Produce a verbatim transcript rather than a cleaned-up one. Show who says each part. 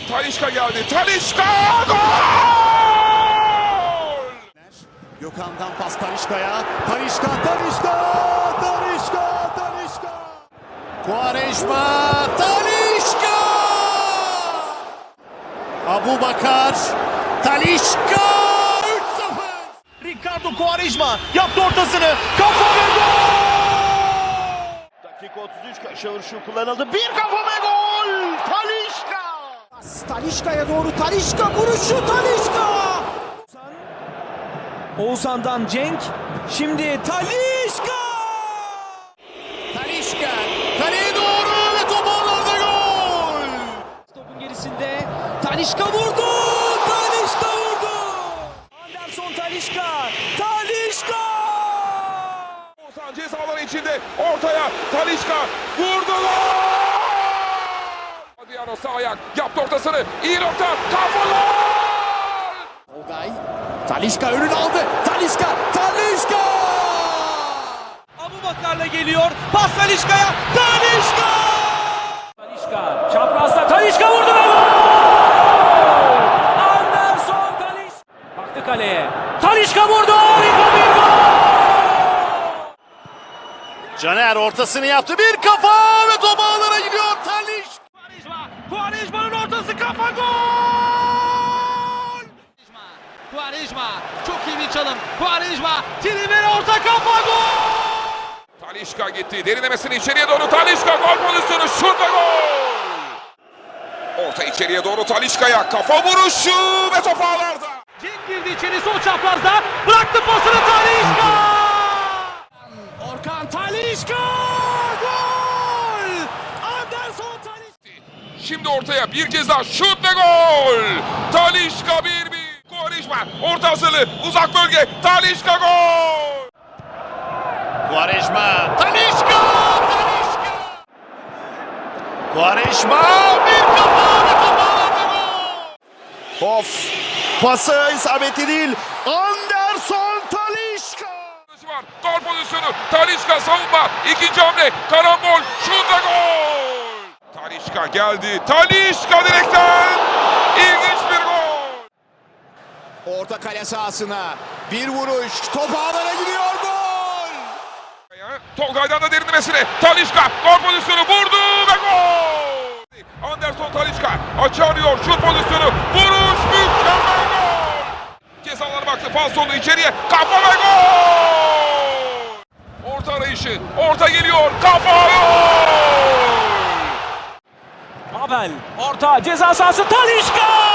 Speaker 1: Talisca geldi. Talisca gol!
Speaker 2: Gökhan'dan pas Talisca'ya. Talisca, Talisca, Talisca, Talisca. Quaresma, Talisca! Abubakar, Talisca! üç sıfır.
Speaker 3: Ricardo Quaresma yaptı ortasını. Kafa ve gol!
Speaker 4: Dakika otuz üç köşe vuruşu kullanıldı. Bir kafa ve gol! Talisca!
Speaker 3: Talisca'ya doğru Talisca vuruşu Talisca! Oğuzhan'dan Cenk. Şimdi Talisca!
Speaker 2: Talisca, kaleye doğru ve top ağlarda gol!
Speaker 3: Topun gerisinde Talisca vurdu! Talisca vurdu! Anderson Talisca! Talisca!
Speaker 1: Oğuzhan ceza alanı içinde ortaya Talisca vurdu. Adriano sağ ayak yaptı ortasını. İyi nokta. Kafa gol!
Speaker 2: Olgay, Talisca önünü aldı. Talisca, Talisca!
Speaker 3: Abubakar'la geliyor. Pas Talisca'ya. Talisca! Talisca çaprazda Talisca vurdu ve gol! Anderson Talisca. Baktı kaleye. Talisca vurdu. Harika bir gol!
Speaker 2: Caner ortasını yaptı. Bir kafa ve top ağlara gidiyor. Talisca!
Speaker 3: Quaresma. Quaresma'nın ortası kafa gol! Quaresma çok iyi bir çalım. Quaresma Trivela orta kafa gol!
Speaker 1: Talisca gitti. Derinlemesine içeriye doğru Talisca gol pozisyonu. Şurada gol! Orta içeriye doğru Talisca'ya kafa vuruşu ve top ağlarda.
Speaker 3: Cenk girdi içeri sol çaprazda. Bıraktı pasını Talisca! Orkan Talisca! Gol! Anderson Talisca!
Speaker 1: Şimdi ortaya bir kez daha şut ve gol! Talisca bir bir. Quaresma orta hazırlığı uzak bölge. Talisca gol!
Speaker 2: Quaresma, Talisca! Talisca! Quaresma bir kafa ve top ağlarda gol! Of! Pası isabeti değil. Anderson Talisca!
Speaker 1: Var. Gol pozisyonu. Talisca savunma. İkinci hamle. Karambol. Şut ve gol! Talisca geldi. Talisca direkten. İlginç bir gol.
Speaker 2: Orta kale sahasına bir vuruş. Top ağlara gidiyor. Gol!
Speaker 1: Tolgay'dan da derinlemesine. Talisca gol pozisyonu vurdu ve gol! Anderson Talisca açı arıyor. Şut pozisyonu. Vuruş mükemmel gol! Cezalara baktı. Falsolu içeriye. Kafa ve gol! Orta arayışı. Orta geliyor. Kafa gol!
Speaker 3: Abel orta ceza sahası Talisca!